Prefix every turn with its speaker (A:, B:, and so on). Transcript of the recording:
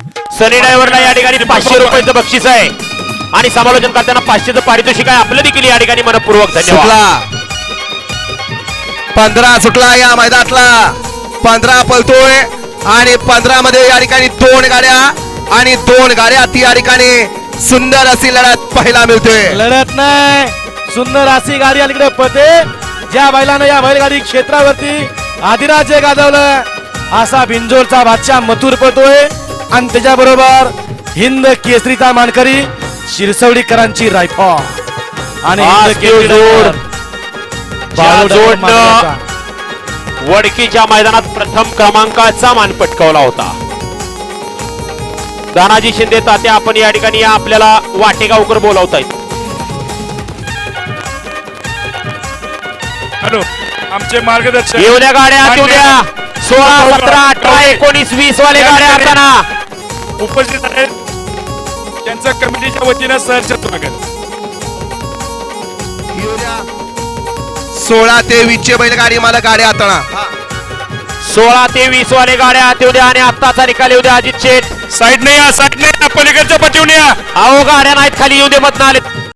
A: सनी ड्रायव्हरला या ठिकाणी 500 रुपयाचं बक्षीस आहे आणि समालोचन करताना 500चं पारितोषिक आहे. आपलं देखील या ठिकाणी मनपूर्वक धन्यवाद.
B: 15 सुटला या मैदानातला. 15 पळतोय आणि 15 मध्ये या ठिकाणी 2 गाड्या आणि 2 गाड्या ती या ठिकाणी सुंदर अशी लढत पाहायला मिळते.
C: लढत नाही, सुंदर अशी गाडी अलीकडे पळते. ज्या बैलानं या बैलगाडी क्षेत्रावरती आदिराज्य गाजवलं असा बिंजोरचा बादशाह मथुर पळतोय आणि त्याच्याबरोबर हिंद केसरीचा मानकरी शिरसवडीकरांची रायफल आणि हिंद केसरी
A: जोडनं वडकीच्या मैदानात प्रथम क्रमांकाचा मान पटकावला होता. दानाजी शिंदे तात्या आपण या ठिकाणी आपल्याला वाटेगावकर बोलावतायत.
D: हॅलो, आमचे मार्गदर्शक
A: येऊ द्या गाड्या, येऊ द्या. 16, 17, 18, 19, 20 वाले गाड्या असताना
D: उपस्थित आहेत. त्यांचं कमिटीच्या वतीनं सहर्ष स्वागत.
B: 16 ते 20 चे बैलगाडी मला गाड्या हाताळा.
A: 16 ते 20 वाले गाड्या येऊ द्या आणि आत्ताचा निकाल येऊ द्या. अजित शेठ
D: साईडने या, साईडने या, पलीकडच्या पटीवून या.
A: अहो गाड्या नाहीत खाली, येऊ दे मधनं आले.